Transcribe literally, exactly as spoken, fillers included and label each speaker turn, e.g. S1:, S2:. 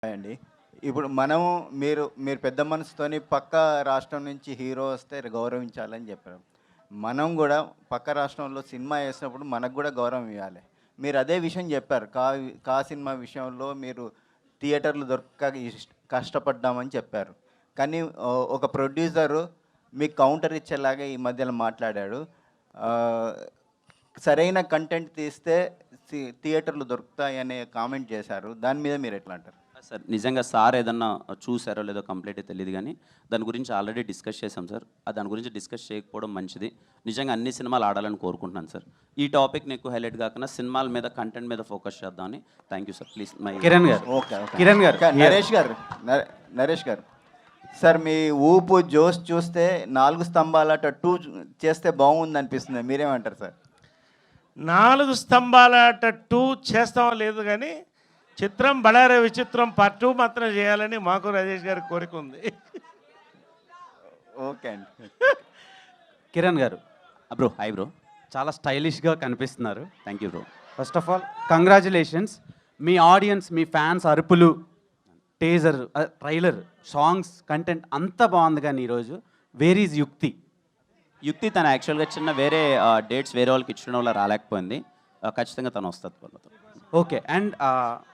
S1: అండి. ఇప్పుడు మనం మీరు మీరు పెద్ద మనసుతోని పక్క రాష్ట్రం నుంచి హీరో వస్తే గౌరవించాలని చెప్పారు. మనం గూడా పక్క రాష్ట్రంలో సినిమా ఏసినప్పుడు మనకు గూడా గౌరవం ఇయ్యాలి. మీరు అదే విషయం చెప్పారు. కా కా సినిమా విషయంలో మీరు థియేటర్‌లు దొరకక ఇష్ కష్టపడ్డామని చెప్పారు. కానీ ఆహ్, ఒక ప్రొడ్యూసరు మీకు కౌంటర్ ఇచ్చేలాగా ఈ మధ్యలో మాట్లాడాడు. ఆహ్, సరైన కంటెంట్ తీస్తే సి థియేటర్‌లు దొరుకుతాయనే కామెంట్ చేశారు. దాని మీద మీరెట్లా అంటారు?
S2: సార్ నిజంగా సార్ ఏదన్నా చూసారో లేదో కంప్లీట్గా తెలియదు కానీ దాని గురించి ఆల్రెడీ డిస్కస్ చేసాం సార్. ఆ దాని గురించి డిస్కస్ చేయకపోవడం మంచిది. నిజంగా అన్ని సినిమాలు ఆడాలని కోరుకుంటున్నాను సార్. ఈ టాపిక్ని ఎక్కువ హైలైట్ కాకుండా సినిమాల మీద కంటెంట్ మీద ఫోకస్ చేద్దామని. Thank you sir. Please my
S3: Kiran garu
S1: okay. Okay.
S3: Kiran గారు
S1: క నరేష్ గారు నరే నరేష్ గారు సార్ మీ ఊపు, జోష్ చూస్తే నాలుగు స్తంభాలట టూ చేస్తే బాగుందనిపిస్తుంది. మీరేమంటారు సార్?
S4: నాలుగు స్తంభాలాట టూ చేస్తామో లేదు కానీ చిత్రం బళారే విచిత్రం పార్ట్ టూ మాత్రం చేయాలని మాకు రాజేష్ గారి కోరిక ఉంది.
S1: ఓకే అండి.
S3: కిరణ్ గారు
S2: బ్రో హాయ్ బ్రో.
S3: చాలా స్టైలిష్గా కనిపిస్తున్నారు.
S2: Thank you bro.
S3: First of all congratulations. మీ ఆడియన్స్, మీ ఫ్యాన్స్ అరుపులు, టేజర్, ట్రైలర్, సాంగ్స్, కంటెంట్ అంతా బాగుంది. కానీ ఈరోజు వేర్ ఈజ్ యుక్తి?
S2: యుక్తి తను యాక్చువల్గా చిన్న వేరే డేట్స్ వేరే వాళ్ళకి ఇచ్చిన వల్ల రాలేకపోయింది. ఆ, ఖచ్చితంగా తను వస్తుంది వాళ్ళతో.
S3: ఓకే. అండ్